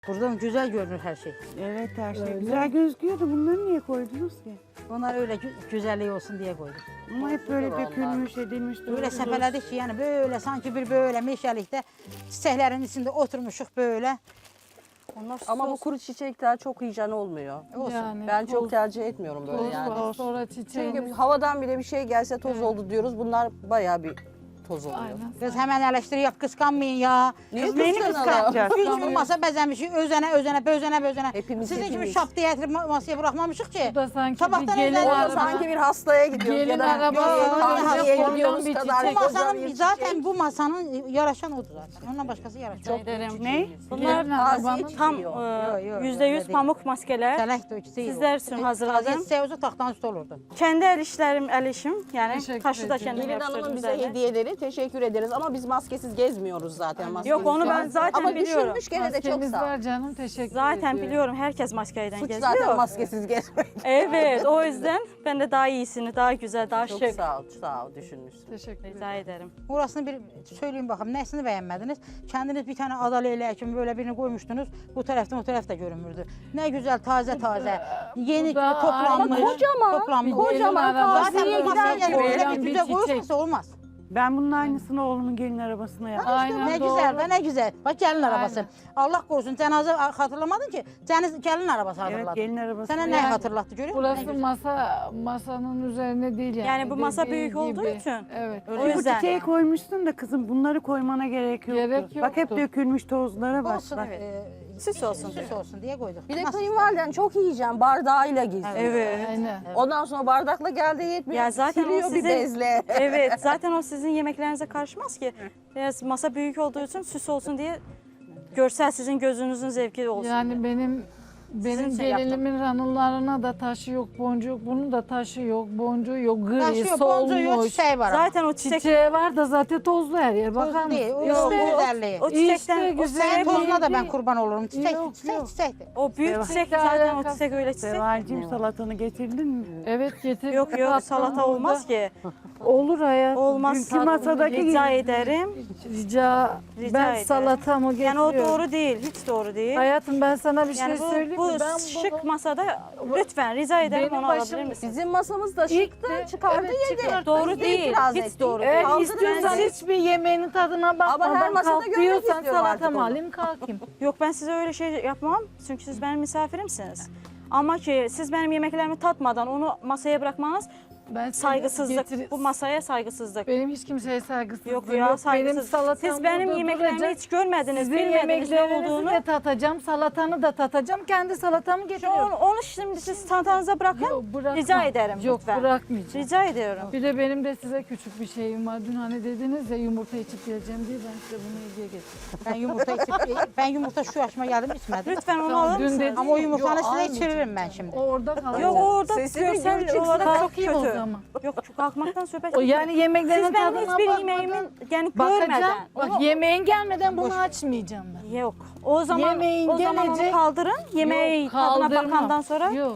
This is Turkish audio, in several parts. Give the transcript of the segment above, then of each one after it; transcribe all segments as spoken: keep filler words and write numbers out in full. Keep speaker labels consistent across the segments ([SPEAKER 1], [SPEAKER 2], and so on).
[SPEAKER 1] Buradan güzel görünür her şey.
[SPEAKER 2] Evet her şey
[SPEAKER 3] Öyle.
[SPEAKER 2] güzel gözüküyor da bunları niye koydunuz ki?
[SPEAKER 1] Onlar öyle gü- güzelliği olsun diye koyduk.
[SPEAKER 2] Ama hep böyle dökülmüş edilmiş.
[SPEAKER 1] Öyle
[SPEAKER 2] durmuş.
[SPEAKER 1] sepeledik ki yani böyle sanki bir böyle meşalikte çiçeklerin içinde oturmuşuk böyle. Onlar
[SPEAKER 4] Ama bu
[SPEAKER 1] sos-
[SPEAKER 4] kuru çiçekler çok hijyen olmuyor.
[SPEAKER 1] olsun.
[SPEAKER 3] Yani
[SPEAKER 4] Ben
[SPEAKER 3] toz-
[SPEAKER 4] çok tercih etmiyorum böyle
[SPEAKER 3] toz
[SPEAKER 4] yani.
[SPEAKER 3] var, sonra çiçeğin.
[SPEAKER 4] Çünkü havadan bile bir şey gelse toz
[SPEAKER 3] Evet.
[SPEAKER 4] oldu diyoruz. Bunlar bayağı bir toz oluyor.
[SPEAKER 3] Aynen.
[SPEAKER 1] Kız hemen eleştiri kıskanmayın ya.
[SPEAKER 4] Niye
[SPEAKER 1] Kız neyini
[SPEAKER 4] kıskanalım?
[SPEAKER 1] kıskanacağız? Biz bu masa bezenmişik, özene özene bözene bözene.
[SPEAKER 4] Hepimiz,
[SPEAKER 1] Sizin gibi
[SPEAKER 4] hepimiz.
[SPEAKER 1] şap diye getirip ma- masaya bırakmamışık ki.
[SPEAKER 3] Bu da sanki
[SPEAKER 1] Sabahtan
[SPEAKER 3] bir gelin
[SPEAKER 1] evden
[SPEAKER 4] Orada
[SPEAKER 1] araba-
[SPEAKER 4] sanki bir hastaya gidiyoruz
[SPEAKER 3] Gelin
[SPEAKER 4] ya da
[SPEAKER 3] arabası,
[SPEAKER 4] bir kahveye
[SPEAKER 1] yok,
[SPEAKER 4] gidiyoruz
[SPEAKER 3] bir
[SPEAKER 4] kadar.
[SPEAKER 3] çiçek.
[SPEAKER 1] Bu
[SPEAKER 4] kocaman
[SPEAKER 1] masanın
[SPEAKER 4] bir
[SPEAKER 1] zaten
[SPEAKER 4] çiçek.
[SPEAKER 1] bu masanın yaraşan odur zaten. Ondan başkası yaraşan.
[SPEAKER 4] Çok
[SPEAKER 5] ederim.
[SPEAKER 4] Ne?
[SPEAKER 5] Bunlar
[SPEAKER 3] Gelin arabanın
[SPEAKER 5] tam
[SPEAKER 4] Yok,
[SPEAKER 5] e,
[SPEAKER 1] yok,
[SPEAKER 5] yüzde
[SPEAKER 1] öyle
[SPEAKER 5] yüz
[SPEAKER 1] değil.
[SPEAKER 5] pamuk maskeler.
[SPEAKER 1] Selek de ikisi değil.
[SPEAKER 5] Sizler üçün hazırladım.
[SPEAKER 1] Taze çiçeği olsa taxtanın üstü olurdu.
[SPEAKER 5] Kendi el işlerim, el işim. Yani
[SPEAKER 3] Teşekkür
[SPEAKER 5] taşı da
[SPEAKER 3] ederim.
[SPEAKER 5] kendim
[SPEAKER 4] Gelin
[SPEAKER 5] yaptırdım
[SPEAKER 4] Hanım'ın bize
[SPEAKER 5] üzerine.
[SPEAKER 4] hediyeleri teşekkür ederiz ama biz maskesiz gezmiyoruz zaten. maskesiz
[SPEAKER 5] Yok, onu ben
[SPEAKER 4] gezmiyoruz.
[SPEAKER 5] zaten
[SPEAKER 4] ama
[SPEAKER 5] biliyorum.
[SPEAKER 4] düşünmüş gene de çok
[SPEAKER 3] maskemiz
[SPEAKER 4] sağ ol.
[SPEAKER 3] var canım, teşekkür
[SPEAKER 5] Zaten
[SPEAKER 3] ediyorum.
[SPEAKER 5] biliyorum herkes maskeyle
[SPEAKER 4] Suç
[SPEAKER 5] geziyor.
[SPEAKER 4] zaten maskesiz gezmek.
[SPEAKER 5] Evet, o yüzden ben de daha iyisini, daha güzel, daha
[SPEAKER 4] Çok
[SPEAKER 5] şık.
[SPEAKER 4] sağ ol, sağ ol düşünmüşsün.
[SPEAKER 3] Teşekkür ederim.
[SPEAKER 5] Rica ederim.
[SPEAKER 1] Orasını bir söyleyin bakalım. Nesini beğenmediniz? Kendiniz bir tane ada leyleği kimi böyle birini koymuştunuz. Bu taraftan o tarafta görünmürdü. Ne güzel taze taze. Yeni
[SPEAKER 3] bu da
[SPEAKER 1] toplanmış.
[SPEAKER 4] Ama kocaman,
[SPEAKER 1] Toplanmış.
[SPEAKER 4] kocaman
[SPEAKER 3] Gelin arabası.
[SPEAKER 1] Zaten bu masaya
[SPEAKER 4] gibi.
[SPEAKER 1] böyle bir
[SPEAKER 3] Kocaman bir
[SPEAKER 1] güzel
[SPEAKER 3] çiçek.
[SPEAKER 1] koyulmasa olmaz.
[SPEAKER 2] Ben bunun aynısını oğlumun gelin arabasına yaptım.
[SPEAKER 3] Aynen
[SPEAKER 1] Ne
[SPEAKER 3] doğru.
[SPEAKER 1] güzel de ne güzel. Bak gelin arabası.
[SPEAKER 3] Aynen.
[SPEAKER 1] Allah korusun cenaze hatırlamadın ki. Cenaze gelin arabası
[SPEAKER 2] Evet
[SPEAKER 1] hatırladı.
[SPEAKER 2] gelin arabası.
[SPEAKER 1] Sana ne
[SPEAKER 3] Yani
[SPEAKER 1] hatırlattı görüyor musun? Ne
[SPEAKER 3] Burası
[SPEAKER 1] güzel.
[SPEAKER 3] masa masanın üzerine değil yani.
[SPEAKER 5] Yani bu masa
[SPEAKER 3] Dediğin
[SPEAKER 5] büyük olduğu
[SPEAKER 3] gibi.
[SPEAKER 5] için.
[SPEAKER 3] Evet.
[SPEAKER 5] O
[SPEAKER 2] Bu
[SPEAKER 5] yüzden.
[SPEAKER 2] çiçeği koymuşsun da kızım bunları koymana gerek yoktu.
[SPEAKER 3] Gerek
[SPEAKER 2] Bak hep
[SPEAKER 3] yoktu.
[SPEAKER 2] dökülmüş tozlara bak.
[SPEAKER 1] Olsun
[SPEAKER 2] bak.
[SPEAKER 1] evet. Ee,
[SPEAKER 5] Süs olsun
[SPEAKER 1] Süs
[SPEAKER 5] diye.
[SPEAKER 1] olsun diye koyduk.
[SPEAKER 4] Bir de
[SPEAKER 1] Nasıl?
[SPEAKER 4] kayınvaliden çok yiyeceğim bardağıyla geziyor.
[SPEAKER 5] Evet.
[SPEAKER 3] Aynen.
[SPEAKER 4] Ondan sonra bardakla geldi yetmiyor.
[SPEAKER 5] Ya zaten o
[SPEAKER 4] Siliyor bir
[SPEAKER 5] sizin-
[SPEAKER 4] bezle.
[SPEAKER 5] Evet, zaten o sizin yemeklerinize karışmaz ki. Biraz masa büyük olduğu için süs olsun diye görsel sizin gözünüzün zevki olsun. diye.
[SPEAKER 3] Yani benim benim
[SPEAKER 5] Sizin şey yaptım.
[SPEAKER 3] gelinimin ranılarına da taşı yok, boncuğu yok. Bunun da taşı yok, boncuğu yok, gri,
[SPEAKER 1] Taşıyor, boncuğu yok,
[SPEAKER 3] solmuş.
[SPEAKER 1] çiçeği var. ama.
[SPEAKER 5] Zaten o çiçek
[SPEAKER 3] Çiçeği var da zaten tozlu her yer. Bakar
[SPEAKER 1] Toz
[SPEAKER 3] mısın?
[SPEAKER 1] değil, o
[SPEAKER 5] Yok,
[SPEAKER 1] o
[SPEAKER 5] o-
[SPEAKER 1] güzelliği.
[SPEAKER 5] o çiçekten
[SPEAKER 3] İşte
[SPEAKER 5] o,
[SPEAKER 3] güzel.
[SPEAKER 1] Sen tozuna da ben
[SPEAKER 3] değil.
[SPEAKER 1] kurban olurum. Çiçek,
[SPEAKER 3] Yok,
[SPEAKER 1] çiçek,
[SPEAKER 3] yok.
[SPEAKER 1] çiçek.
[SPEAKER 5] o büyük
[SPEAKER 2] Seval.
[SPEAKER 5] çiçek
[SPEAKER 3] Çiçekle
[SPEAKER 5] zaten o
[SPEAKER 3] alakası-
[SPEAKER 5] çiçek öyle çiçek.
[SPEAKER 2] Sevalcim salatanı getirdin mi?
[SPEAKER 3] Evet getir.
[SPEAKER 5] Yok yok salata olmaz ki.
[SPEAKER 3] Olur hayatım.
[SPEAKER 5] Olmaz.
[SPEAKER 2] Dünkü masadaki
[SPEAKER 5] Rica
[SPEAKER 2] gibi.
[SPEAKER 5] ederim.
[SPEAKER 3] Rica,
[SPEAKER 5] Rica
[SPEAKER 3] ben
[SPEAKER 5] ederim.
[SPEAKER 3] salatamı getiriyorum.
[SPEAKER 5] Yani o doğru değil, hiç doğru değil.
[SPEAKER 3] Hayatım ben sana bir
[SPEAKER 5] Yani
[SPEAKER 3] şey
[SPEAKER 5] bu,
[SPEAKER 3] söyleyeyim
[SPEAKER 5] bu
[SPEAKER 3] mi? Ben
[SPEAKER 5] şık
[SPEAKER 3] bunu
[SPEAKER 5] masada lütfen rica ederim
[SPEAKER 3] Benim
[SPEAKER 5] onu
[SPEAKER 3] başım-
[SPEAKER 5] alabilir misiniz?
[SPEAKER 4] Bizim masamız da
[SPEAKER 3] İlk
[SPEAKER 4] şıktı,
[SPEAKER 3] de-
[SPEAKER 4] çıkardı
[SPEAKER 3] evet,
[SPEAKER 4] yedi.
[SPEAKER 3] çıkardı.
[SPEAKER 5] Doğru
[SPEAKER 4] Biz de
[SPEAKER 5] değil,
[SPEAKER 4] itiraz
[SPEAKER 5] hiç
[SPEAKER 4] ettik.
[SPEAKER 5] doğru
[SPEAKER 3] eğer
[SPEAKER 5] değil.
[SPEAKER 3] istiyorsan
[SPEAKER 5] Ben-
[SPEAKER 3] hiçbir yemeğinin tadına
[SPEAKER 4] Ama her
[SPEAKER 3] bakmadan
[SPEAKER 4] masada
[SPEAKER 3] kalk
[SPEAKER 4] görmek
[SPEAKER 3] diyorsan
[SPEAKER 4] istiyorum artık
[SPEAKER 3] salatamı
[SPEAKER 4] onu.
[SPEAKER 3] alayım kalkayım.
[SPEAKER 5] Yok ben size öyle şey yapmam çünkü siz benim misafirimsiniz. Ama ki siz benim yemeklerimi tatmadan onu masaya bırakmanız
[SPEAKER 3] Ben seni
[SPEAKER 5] saygısızlık.
[SPEAKER 3] getir-
[SPEAKER 5] Bu masaya saygısızlık.
[SPEAKER 3] Benim hiç kimseye saygısızlığım
[SPEAKER 5] Yok
[SPEAKER 3] yok.
[SPEAKER 5] ya
[SPEAKER 3] Benim
[SPEAKER 5] saygısız.
[SPEAKER 3] salatam
[SPEAKER 5] Siz benim
[SPEAKER 3] burada
[SPEAKER 5] yemeklerimi
[SPEAKER 3] duracak.
[SPEAKER 5] hiç görmediniz,
[SPEAKER 3] Sizin
[SPEAKER 5] bilmediniz ne
[SPEAKER 3] yemeklerinizi
[SPEAKER 5] olduğunu.
[SPEAKER 3] de tatacağım, salatanı da tatacağım. Kendi salatamı
[SPEAKER 5] Onu,
[SPEAKER 3] getiriyorum.
[SPEAKER 5] onu şimdi siz tantanıza bırakın.
[SPEAKER 3] Yok, bırakmam.
[SPEAKER 5] Rica ederim
[SPEAKER 3] Yok
[SPEAKER 5] lütfen.
[SPEAKER 3] bırakmayacağım.
[SPEAKER 5] Rica ediyorum.
[SPEAKER 3] Bir de benim de size küçük bir şeyim var. Dün hani dediniz ya yumurta içip geleceğim diye ben size bunu hediye getirdim.
[SPEAKER 1] Ben yumurta içip, ben yumurta şu yaşıma geldim içmedim.
[SPEAKER 5] Lütfen onu
[SPEAKER 3] Tamam,
[SPEAKER 5] alır
[SPEAKER 3] dün
[SPEAKER 5] mısınız?
[SPEAKER 3] dedin
[SPEAKER 1] Ama o
[SPEAKER 3] ya,
[SPEAKER 1] yumurtanı
[SPEAKER 3] yok,
[SPEAKER 1] size
[SPEAKER 3] almayacağım.
[SPEAKER 1] içiririm ben şimdi.
[SPEAKER 3] O orada kalıyor.
[SPEAKER 5] Yok o orada
[SPEAKER 4] Sesini
[SPEAKER 5] görsel
[SPEAKER 4] gür çıksın,
[SPEAKER 5] olarak çok
[SPEAKER 3] kalkayım o
[SPEAKER 5] kötü.
[SPEAKER 3] zaman.
[SPEAKER 5] Yok çok kalkmaktan söhbet
[SPEAKER 3] O
[SPEAKER 5] yok.
[SPEAKER 3] yani yemeklerin
[SPEAKER 5] Siz benim
[SPEAKER 3] tadına
[SPEAKER 5] hiçbir
[SPEAKER 3] bakmadan
[SPEAKER 5] yemeğimin yani
[SPEAKER 3] bakacağım.
[SPEAKER 5] görmeden.
[SPEAKER 3] Bak
[SPEAKER 5] Onu-
[SPEAKER 3] yemeğin gelmeden bunu açmayacağım ben.
[SPEAKER 5] Yok. O zaman
[SPEAKER 3] Yemeğin
[SPEAKER 5] o zaman onu
[SPEAKER 3] gelecek-
[SPEAKER 5] kaldırın. Yemeği
[SPEAKER 3] Yok,
[SPEAKER 5] tadına
[SPEAKER 3] kaldırmam.
[SPEAKER 5] bakandan sonra
[SPEAKER 3] Yok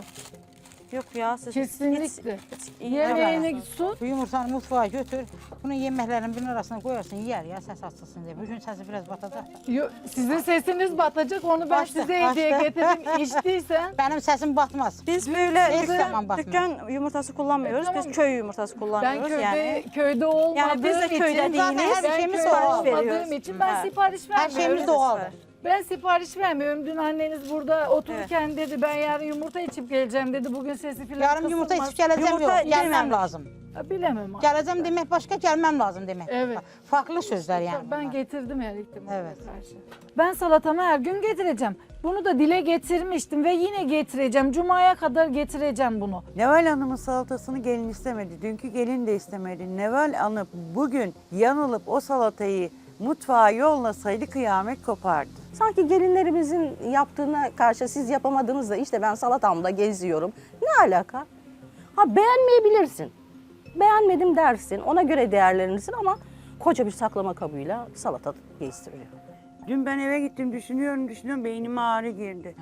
[SPEAKER 5] yok ya siz
[SPEAKER 3] kesinlikle.
[SPEAKER 5] hiç- hiç-
[SPEAKER 3] Yemeğini su.
[SPEAKER 1] Bu yumurtanı mutfağa götür. Bunu yemeklerin birinin arasına koyarsın yer ya ses açılsın diye. Bugün sesi biraz batacak.
[SPEAKER 3] Yo, sizin sesiniz batacak onu ben
[SPEAKER 1] Başta,
[SPEAKER 3] size hediye
[SPEAKER 1] başta.
[SPEAKER 3] getirdim. İçtiysen
[SPEAKER 1] Benim sesim batmaz.
[SPEAKER 5] Biz böyle
[SPEAKER 1] Hiçbir
[SPEAKER 5] dükkan,
[SPEAKER 1] zaman bakmıyor.
[SPEAKER 5] dükkan yumurtası kullanmıyoruz.
[SPEAKER 3] E, tamam.
[SPEAKER 5] Biz köy yumurtası
[SPEAKER 3] ben
[SPEAKER 5] kullanıyoruz
[SPEAKER 3] köyde
[SPEAKER 5] yani.
[SPEAKER 3] köyde olmadığım
[SPEAKER 5] Yani biz de
[SPEAKER 3] için
[SPEAKER 5] köyde
[SPEAKER 1] zaten
[SPEAKER 5] değiliz.
[SPEAKER 1] her
[SPEAKER 3] ben
[SPEAKER 1] şeyimiz
[SPEAKER 3] köyde
[SPEAKER 1] doğal.
[SPEAKER 3] olmadığım
[SPEAKER 5] veriyoruz.
[SPEAKER 3] için ben
[SPEAKER 5] Evet.
[SPEAKER 3] sipariş
[SPEAKER 1] Her
[SPEAKER 3] vermiyorum.
[SPEAKER 1] şeyimiz doğal.
[SPEAKER 3] Ben sipariş vermiyorum. Dün anneniz burada otururken dedi ben yarın yumurta içip geleceğim dedi. Bugün sesi filan
[SPEAKER 1] Yarın yumurta
[SPEAKER 3] kısılmaz.
[SPEAKER 1] içip geleceğim
[SPEAKER 5] Yumurta
[SPEAKER 1] yok. Gelmem
[SPEAKER 5] yememiş.
[SPEAKER 1] lazım.
[SPEAKER 3] Ha, bilemem.
[SPEAKER 1] Geleceğim demek başka, gelmem lazım demek.
[SPEAKER 3] Evet.
[SPEAKER 1] Farklı sözler yani.
[SPEAKER 3] Ben
[SPEAKER 1] bunlar.
[SPEAKER 3] getirdim her ihtimale
[SPEAKER 1] Evet.
[SPEAKER 3] karşı. Ben salatamı her gün getireceğim. Bunu da dile getirmiştim ve yine getireceğim. Cuma'ya kadar getireceğim bunu.
[SPEAKER 2] Neval Hanım'ın salatasını gelin istemedi. Dünkü gelin de istemedi. Neval Hanım bugün yanılıp o salatayı mutfağa yollasaydı kıyamet kopardı.
[SPEAKER 4] Sanki gelinlerimizin yaptığına karşı siz yapamadığınızda işte ben salatamda geziyorum. Ne alaka? Ha beğenmeyebilirsin. Beğenmedim dersin. Ona göre değerlenirsin ama koca bir saklama kabıyla salata gezdiriyor.
[SPEAKER 2] Dün ben eve gittim düşünüyorum düşünüyorum beynime ağrı girdi.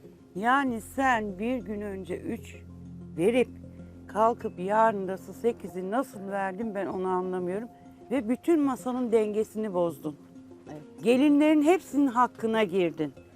[SPEAKER 2] Yani sen bir gün önce üç verip kalkıp yarın da sekizi nasıl verdin ben onu anlamıyorum. Ve bütün masanın dengesini bozdun. Gelinlerin hepsinin hakkına girdin.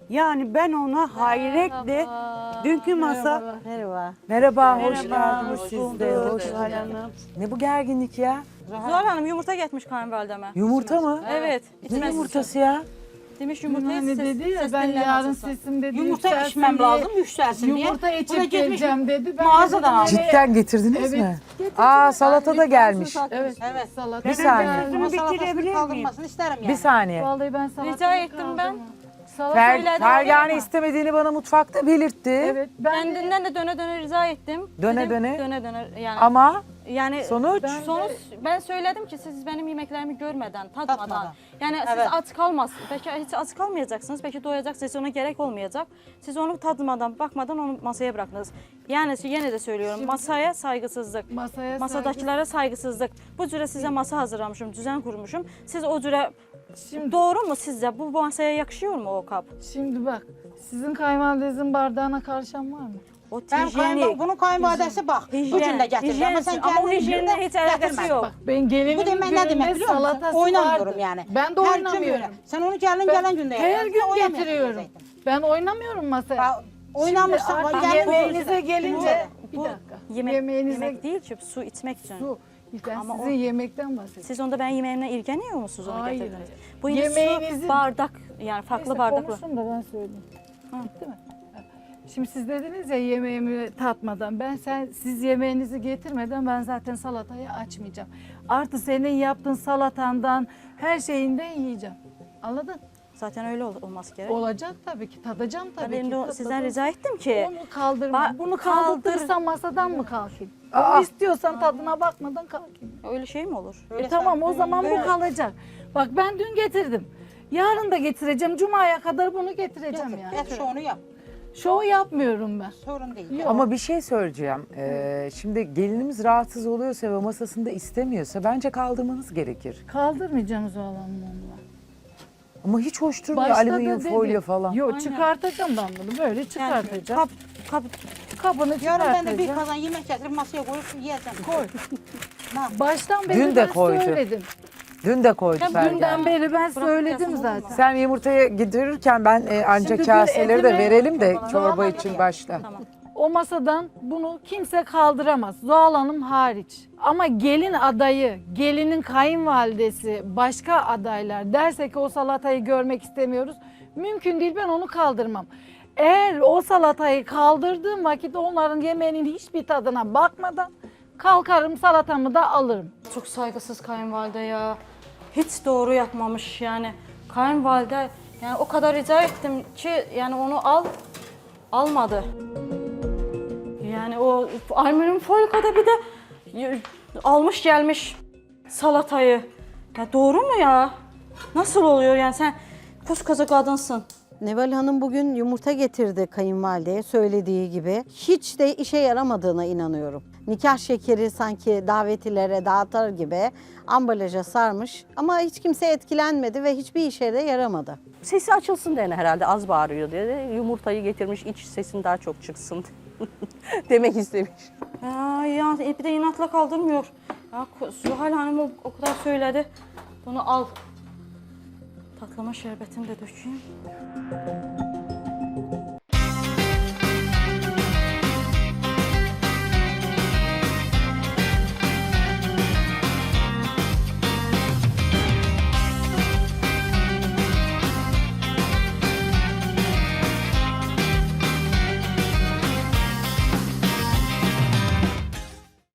[SPEAKER 2] Yani ben ona hayretle dünkü masa...
[SPEAKER 6] Merhaba.
[SPEAKER 7] Merhaba, hoş
[SPEAKER 2] Merhaba,
[SPEAKER 7] geldiniz
[SPEAKER 2] hoş
[SPEAKER 7] siz de.
[SPEAKER 2] bulduk.
[SPEAKER 7] Hoş
[SPEAKER 2] Zuhal
[SPEAKER 7] geldiniz.
[SPEAKER 2] Hanım.
[SPEAKER 7] Ne bu gerginlik ya?
[SPEAKER 5] Zuhal Hanım yumurta getmiş kayınvalideme.
[SPEAKER 7] Yumurta mı?
[SPEAKER 5] Evet.
[SPEAKER 7] Ne
[SPEAKER 5] içmesi
[SPEAKER 7] yumurtası ya?
[SPEAKER 5] için. Demiş yumurtayı
[SPEAKER 3] Hani
[SPEAKER 5] ses,
[SPEAKER 3] dedi ya
[SPEAKER 5] ses
[SPEAKER 3] ben
[SPEAKER 5] dinleme
[SPEAKER 3] yarın
[SPEAKER 5] açılsın.
[SPEAKER 3] sesim dedi
[SPEAKER 1] Yumurta
[SPEAKER 3] yükselsin
[SPEAKER 1] içmem
[SPEAKER 3] diye,
[SPEAKER 1] lazım, yükselsin diye.
[SPEAKER 3] Yumurta
[SPEAKER 1] Bu da
[SPEAKER 3] içip
[SPEAKER 1] gitmiş
[SPEAKER 3] geleceğim dedi. Ben
[SPEAKER 1] mağazadan
[SPEAKER 3] dedim,
[SPEAKER 1] aldı.
[SPEAKER 3] "Evet,
[SPEAKER 7] Cidden getirdiniz
[SPEAKER 3] Evet.
[SPEAKER 7] mi? Aa salata da gelmiş.
[SPEAKER 3] Evet.
[SPEAKER 1] Evet.
[SPEAKER 3] Salata
[SPEAKER 7] Bir saniye.
[SPEAKER 3] geldi.
[SPEAKER 2] Bunu bitirebilir
[SPEAKER 1] Salatasını
[SPEAKER 2] miyim?
[SPEAKER 1] kaldırmasını isterim yani.
[SPEAKER 7] Bir saniye.
[SPEAKER 3] Vallahi ben salata
[SPEAKER 5] Rica ettim ben.
[SPEAKER 3] Salata
[SPEAKER 7] Fer,
[SPEAKER 5] Söyledim
[SPEAKER 7] Fergane
[SPEAKER 5] ama.
[SPEAKER 7] istemediğini bana mutfakta belirtti.
[SPEAKER 3] Evet. Ben
[SPEAKER 5] Kendinden de döne döne rica ettim.
[SPEAKER 7] Döne
[SPEAKER 5] Dedim,
[SPEAKER 7] döne?
[SPEAKER 5] Döne döne yani.
[SPEAKER 7] Ama
[SPEAKER 5] yani
[SPEAKER 7] sonuç?
[SPEAKER 3] Ben-
[SPEAKER 5] Sonuç ben söyledim ki siz benim yemeklerimi görmeden, tatmadan.
[SPEAKER 1] Tatmadan.
[SPEAKER 5] Yani
[SPEAKER 1] Evet.
[SPEAKER 5] siz aç kalmazsınız. Belki hiç aç kalmayacaksınız. Belki doyacaksınız. Ona gerek olmayacak. Siz onu tadmadan, bakmadan onu masaya bıraktınız. Yani yine de söylüyorum. Masaya saygısızlık.
[SPEAKER 3] masaya
[SPEAKER 5] Masadakılara saygısızlık. Bu cüre size masa hazırlamışım, düzen kurmuşum. Siz o cüre
[SPEAKER 3] Şimdi-
[SPEAKER 5] doğru mu sizce? Bu masaya yakışıyor mu o kap?
[SPEAKER 3] Şimdi bak sizin kayınvalidenizin bardağına karışan var mı?
[SPEAKER 5] O
[SPEAKER 1] Ben
[SPEAKER 5] hijyeni.
[SPEAKER 1] kayınval- bunun kayınvalidesi bak.
[SPEAKER 5] Hijyen-
[SPEAKER 1] Bugün de getirdi
[SPEAKER 5] hijyen
[SPEAKER 1] ama sen
[SPEAKER 5] için- ama o
[SPEAKER 1] kendin
[SPEAKER 5] hijyenle
[SPEAKER 1] gününde
[SPEAKER 5] hiç alakası
[SPEAKER 1] getirmedin.
[SPEAKER 5] yok.
[SPEAKER 3] Bak ben gelinimin
[SPEAKER 1] Bu demek ne demek
[SPEAKER 3] gününde
[SPEAKER 1] biliyor musun?
[SPEAKER 3] salatası
[SPEAKER 1] Oynamıyorum
[SPEAKER 3] vardı.
[SPEAKER 1] yani.
[SPEAKER 3] Ben de
[SPEAKER 1] Her gün
[SPEAKER 3] oynamıyorum.
[SPEAKER 1] böyle. Sen onu gelin
[SPEAKER 3] Ben
[SPEAKER 1] gelen günde
[SPEAKER 3] her
[SPEAKER 1] yapacaksın.
[SPEAKER 3] gün
[SPEAKER 1] Oynamıyorsun
[SPEAKER 3] getiriyorum.
[SPEAKER 1] zaten.
[SPEAKER 3] Ben oynamıyorum masaya.
[SPEAKER 1] Ya, Oynamırsan
[SPEAKER 3] Şimdi artık
[SPEAKER 1] gelin
[SPEAKER 3] yemeğinize
[SPEAKER 1] olursa-
[SPEAKER 3] gelince bir
[SPEAKER 5] Bu
[SPEAKER 3] dakika.
[SPEAKER 5] Yemek,
[SPEAKER 3] Yemeğinize
[SPEAKER 5] yemek değil ki su içmek için.
[SPEAKER 3] su. Ben
[SPEAKER 5] Ama
[SPEAKER 3] sizin
[SPEAKER 5] o-
[SPEAKER 3] yemekten bahsediyorum.
[SPEAKER 5] Siz onda ben yemeğimden ilgileniyor musunuz onu
[SPEAKER 3] Hayır,
[SPEAKER 5] getirdiniz?
[SPEAKER 3] hayır.
[SPEAKER 5] Bu yine
[SPEAKER 3] Yemeğinizin-
[SPEAKER 5] su, bardak yani farklı
[SPEAKER 3] Neyse,
[SPEAKER 5] bardaklar.
[SPEAKER 3] konuşsun da ben söyleyeyim. Bitti mi? Şimdi siz dediniz ya yemeğimi tatmadan. Ben sen siz yemeğinizi getirmeden ben zaten salatayı açmayacağım. Artı senin yaptığın salatandan her şeyinden yiyeceğim. Anladın?
[SPEAKER 5] Zaten öyle ol- olması gerek.
[SPEAKER 3] Olacak tabii ki. Tadacağım tabii
[SPEAKER 5] Ben
[SPEAKER 3] ki.
[SPEAKER 5] de o-
[SPEAKER 3] Tadacağım.
[SPEAKER 5] sizden rica ettim ki.
[SPEAKER 3] Onu kaldırma.
[SPEAKER 5] Ba-
[SPEAKER 3] Bunu
[SPEAKER 5] kaldır.
[SPEAKER 3] kaldırırsan masadan mı kalkayım? Onu istiyorsan tadına bakmadan kalkayım.
[SPEAKER 5] Öyle şey mi olur?
[SPEAKER 3] E tamam o zaman bu kalacak. Bak ben dün getirdim. Yarın da getireceğim. Cuma'ya kadar bunu getireceğim yani.
[SPEAKER 1] Et şovunu yap.
[SPEAKER 3] Şov yapmıyorum ben.
[SPEAKER 1] Sorun değil.
[SPEAKER 7] Ama bir şey söyleyeceğim. Ee, şimdi gelinimiz rahatsız oluyorsa ve masasında istemiyorsa bence kaldırmanız gerekir.
[SPEAKER 3] Kaldırmayacağım Zuhal Hanım onunla.
[SPEAKER 7] Ama hiç hoş durmuyor
[SPEAKER 3] Başta da
[SPEAKER 7] alüminyum
[SPEAKER 3] dedi.
[SPEAKER 7] folyo falan.
[SPEAKER 3] Yok çıkartacağım ben bunu. Böyle çıkartacağım.
[SPEAKER 5] Kap, kap,
[SPEAKER 3] Kabını
[SPEAKER 1] Yarın ben de bir
[SPEAKER 3] çıkartacağım.
[SPEAKER 1] kazan yemek getirip masaya koyup yiyeceğim.
[SPEAKER 3] Koy.
[SPEAKER 1] Ne?
[SPEAKER 3] Baştan beri
[SPEAKER 7] Dün de
[SPEAKER 3] ben
[SPEAKER 7] koydu.
[SPEAKER 3] söyledim.
[SPEAKER 7] Dün de koydu
[SPEAKER 5] Ya
[SPEAKER 7] Fergane.
[SPEAKER 3] Dünden beri ben söyledim
[SPEAKER 5] yasam
[SPEAKER 3] zaten.
[SPEAKER 5] olmaz.
[SPEAKER 7] Sen yumurtayı getirirken ben e, anca
[SPEAKER 3] Şimdi dün
[SPEAKER 7] kaseleri de
[SPEAKER 3] etimi-
[SPEAKER 7] verelim de
[SPEAKER 5] Tamam.
[SPEAKER 7] çorba
[SPEAKER 3] Tamam.
[SPEAKER 7] için başla.
[SPEAKER 5] Tamam.
[SPEAKER 3] O masadan bunu kimse kaldıramaz. Zuhal Hanım hariç. Ama gelin adayı, gelinin kayınvalidesi, başka adaylar derse ki o salatayı görmek istemiyoruz. Mümkün değil, ben onu kaldırmam. Eğer o salatayı kaldırdığım vakit onların yemeğinin hiçbir tadına bakmadan kalkarım salatamı da alırım.
[SPEAKER 5] Çok saygısız kayınvalide ya. Hiç doğru yapmamış yani. Kayınvalide yani o kadar rica ettim ki yani onu al, almadı. Yani o alüminyum folyoda bir de y- almış gelmiş salatayı. Ya doğru mu ya? Nasıl oluyor yani sen koskoca kadınsın.
[SPEAKER 6] Neval Hanım bugün yumurta getirdi kayınvalideye söylediği gibi. Hiç de işe yaramadığına inanıyorum. Nikah şekeri sanki davetlilere dağıtır gibi ambalaja sarmış ama hiç kimse etkilenmedi ve hiçbir işe de yaramadı.
[SPEAKER 4] Sesi açılsın diye herhalde az bağırıyor diye yumurtayı getirmiş iç sesin daha çok çıksın demek istemiş.
[SPEAKER 5] Ya, ya bir de inatla kaldırmıyor. Ya Zuhal Hanım o, o kadar söyledi. Bunu al. Tatlama şerbetini de dökeyim.